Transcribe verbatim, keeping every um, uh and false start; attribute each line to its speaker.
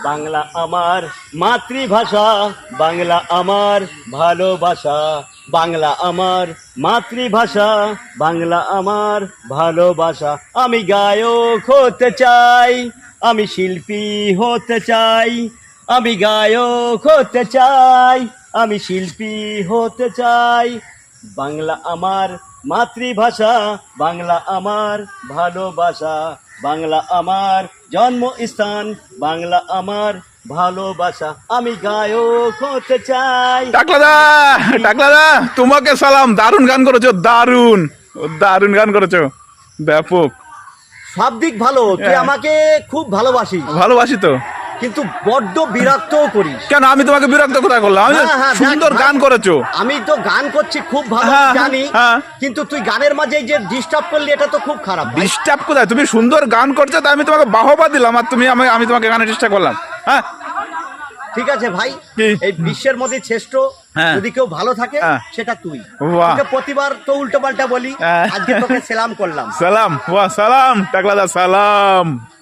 Speaker 1: বাংলা আমার মাতৃভাষা, বাংলা আমার ভালোবাসা, বাংলা আমার মাতৃভাষা, বাংলা আমার ভালোবাসা। আমি গায়ক হতে চাই, আমি শিল্পী হতে চাই, আমি গায়ক হতে চাই, আমি শিল্পী হতে চাই। বাংলা আমার মাতৃভাষা, বাংলা আমার ভালোবাসা, বাংলা আমার জন্মস্থান, বাংলা আমার ভালোবাসা। আমি গায়ক হতে চাই।
Speaker 2: টাকলাদা, টাকলাদা, তোমাকে সালাম। দারুণ গান করেছো, দারুণ দারুণ গান করেছো, ব্যাপক।
Speaker 1: সব দিক ভালো, তুই আমাকে খুব ভালোবাসিস,
Speaker 2: ভালোবাসি তো,
Speaker 1: কিন্তু বড্ড বিরক্তও করিস।
Speaker 2: কেন আমি তোমাকে বিরক্ত কোথায় করলাম? আমি
Speaker 1: হ্যাঁ, হ্যাঁ,
Speaker 2: সুন্দর
Speaker 1: দেখ,
Speaker 2: গান করেছো।
Speaker 1: আমি তো গান করছি খুব ভালো
Speaker 2: হ্যাঁ,
Speaker 1: জানি,
Speaker 2: হ্যাঁ।
Speaker 1: কিন্তু তুই গানের মাঝে এই যে ডিস্টার্ব করলি, এটা তো খুব খারাপ ভাই।
Speaker 2: ডিস্টার্ব কোথায়? তুমি সুন্দর গান করছো তাই আমি তোমাকে বাহবা দিলাম, আর তুমি আমি আমি তোমাকে গানে ডিস্টার্ব করলাম? হ্যাঁ,
Speaker 1: ঠিক আছে ভাই,
Speaker 2: কি?
Speaker 1: এই বিশ্বের মধ্যে শ্রেষ্ঠ
Speaker 2: হ্যাঁ।
Speaker 1: যদি কেউ ভালো থাকে
Speaker 2: হ্যাঁ।
Speaker 1: সেটা তুই।
Speaker 2: বাহ।
Speaker 1: তোকে প্রতিবার তো উল্টো পাল্টা বলি,
Speaker 2: হ্যাঁ।
Speaker 1: আজকে তোকে সেলাম করলাম।
Speaker 2: সালাম, ওয়া সালাম, টাকলাদা সালাম।